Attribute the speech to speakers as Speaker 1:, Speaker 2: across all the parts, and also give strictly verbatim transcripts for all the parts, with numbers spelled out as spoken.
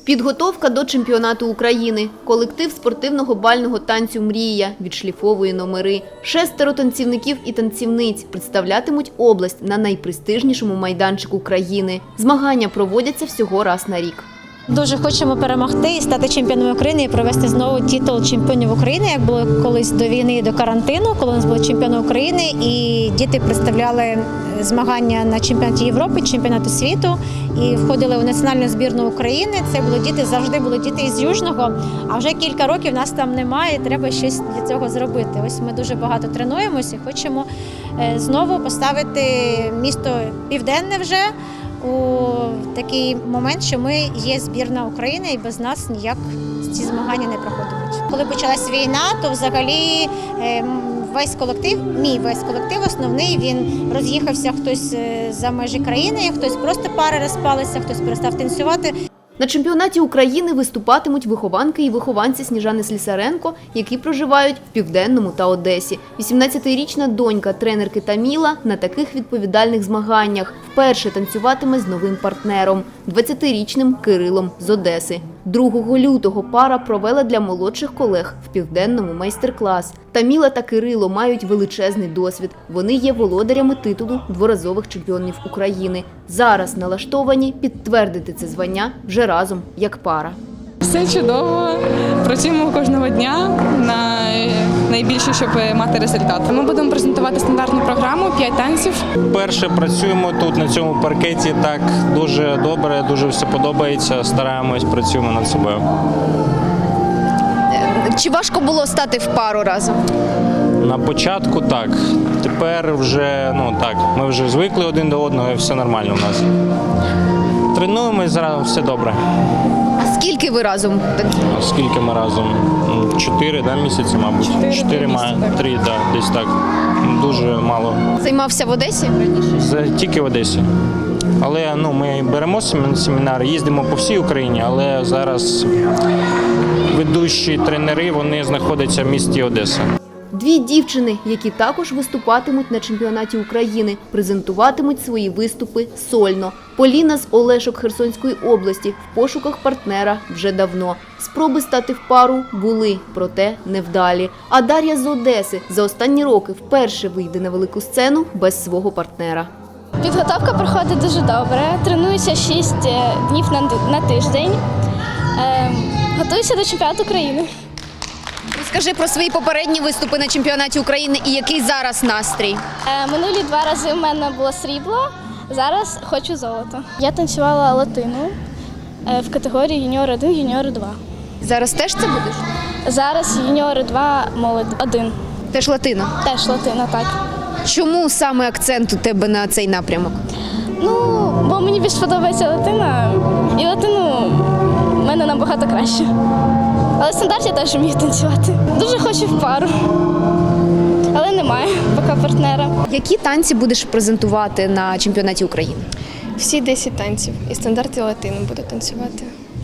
Speaker 1: Підготовка до чемпіонату України. Колектив спортивного бального танцю «Мрія» відшліфовує номери. Шестеро танцівників і танцівниць представлятимуть область на найпрестижнішому майданчику країни. Змагання проводяться всього раз на рік.
Speaker 2: Дуже хочемо перемогти і стати чемпіонами України і провести знову титул чемпіонів України, як було колись до війни і до карантину, коли у нас були чемпіони України і діти представляли змагання на чемпіонаті Європи, чемпіонату світу і входили у національну збірну України. Це були діти, завжди були діти із Южного, а вже кілька років нас там немає, треба щось для цього зробити. Ось ми дуже багато тренуємося і хочемо знову поставити місто Південне вже у такий момент, що ми є збірна України і без нас ніяк ці змагання не проходять. Коли почалась війна, то взагалі весь колектив, мій весь колектив основний, він роз'їхався хтось за межі країни, хтось просто пари розпалися, хтось перестав танцювати.
Speaker 1: На чемпіонаті України виступатимуть вихованки і вихованці Сніжани Слісаренко, які проживають в Південному та Одесі. вісімнадцятирічна донька тренерки Таміла на таких відповідальних змаганнях вперше танцюватиме з новим партнером – двадцятирічним Кирилом з Одеси. другого лютого пара провела для молодших колег в Південному майстер-клас. Таміла та Кирило мають величезний досвід. Вони є володарями титулу дворазових чемпіонів України. Зараз налаштовані підтвердити це звання вже разом як пара.
Speaker 3: Все чудово, працюємо кожного дня на найбільше, щоб мати результат. Ми будемо презентувати стандартну програму «п'ять танців».
Speaker 4: Перше працюємо тут, на цьому паркеті, так дуже добре, дуже все подобається, стараємось, працюємо над собою.
Speaker 1: Чи важко було стати в пару разом?
Speaker 4: На початку так, тепер вже, ну так, ми вже звикли один до одного і все нормально у нас. Тренуємось, зараз все добре.
Speaker 1: Скільки ви разом?
Speaker 4: Скільки ми разом? Чотири да, місяці, мабуть.
Speaker 3: Чотири,
Speaker 4: Чотири, має, три, да, десь так. Дуже мало.
Speaker 1: Займався в Одесі?
Speaker 4: З- Тільки в Одесі. Але ну, ми беремо семінари, їздимо по всій Україні, але зараз ведучі тренери, вони знаходяться в місті Одеса.
Speaker 1: Дві дівчини, які також виступатимуть на чемпіонаті України, презентуватимуть свої виступи сольно. Поліна з Олешок Херсонської області в пошуках партнера вже давно. Спроби стати в пару були, проте невдалі. А Дар'я з Одеси за останні роки вперше вийде на велику сцену без свого партнера.
Speaker 5: Підготовка проходить дуже добре. Тренуюся шість днів на, на тиждень. Е, готуюся до чемпіонату України.
Speaker 1: Розкажи про свої попередні виступи на чемпіонаті України і який зараз настрій.
Speaker 5: Е, минулі два рази в мене було срібло, зараз хочу золото. Я танцювала латину е, в категорії юніор один, юніор два.
Speaker 1: Зараз теж це будеш?
Speaker 5: Зараз юніор два, молодь один.
Speaker 1: Теж латина.
Speaker 5: Теж латина, так.
Speaker 1: Чому саме акцент у тебе на цей напрямок?
Speaker 5: Ну, бо мені більш подобається латина, і латину в мене набагато краще. Але стандарт я теж вмію танцювати. Дуже хочу в пару, але немає поки партнера.
Speaker 1: Які танці будеш презентувати на чемпіонаті України?
Speaker 6: Всі десять танців і стандарт і латину буду танцювати.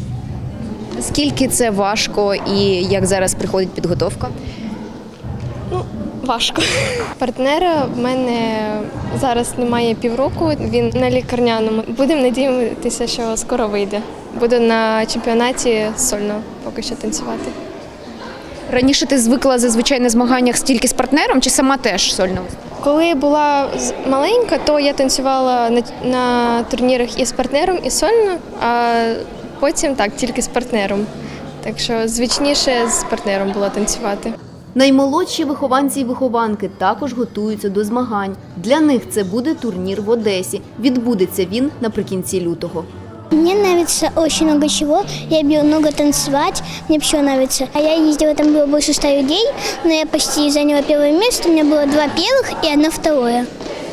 Speaker 1: Скільки це важко і як зараз приходить підготовка?
Speaker 6: Ну, важко. Партнера в мене зараз немає півроку, він на лікарняному. Будемо надіятися, що скоро вийде. Буду на чемпіонаті сольно поки що танцювати.
Speaker 1: Раніше ти звикла зазвичай на змаганнях тільки з партнером чи сама теж сольно?
Speaker 6: Коли була з- маленька, то я танцювала на, на турнірах і з партнером, і сольно, а потім так, тільки з партнером. Так що звичніше з партнером було танцювати.
Speaker 1: Наймолодші вихованці і вихованки також готуються до змагань. Для них це буде турнір в Одесі. Відбудеться він наприкінці лютого.
Speaker 7: Мне нравится очень много чего. Я люблю много танцевать, мне все нравится. А я ездила, там было больше ста людей, но я почти заняла первое место. У меня было два первых и одно второе.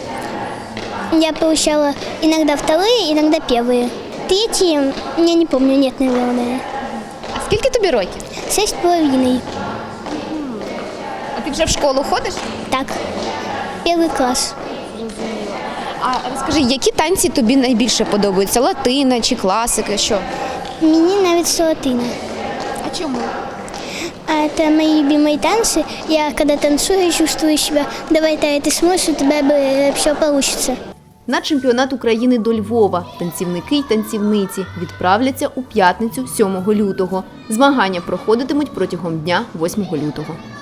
Speaker 7: Я получала иногда вторые, иногда первые. Третьи, я не помню, нет, наверное.
Speaker 1: А скільки тобі років?
Speaker 7: Шесть с половиной.
Speaker 1: А ти вже в школу ходиш?
Speaker 7: Так, первый класс.
Speaker 1: А розкажи, які танці тобі найбільше подобаються? Латина чи класика, що?
Speaker 7: Мне нравится латына.
Speaker 1: А чому?
Speaker 7: А это мои любимые танцы. Я когда танцую, чувствую себя, давай, Тая, ты сможешь, у тебя все получится.
Speaker 1: На чемпіонат України до Львова танцівники й танцівниці відправляться у п'ятницю сьомого лютого. Змагання проходитимуть протягом дня восьмого лютого.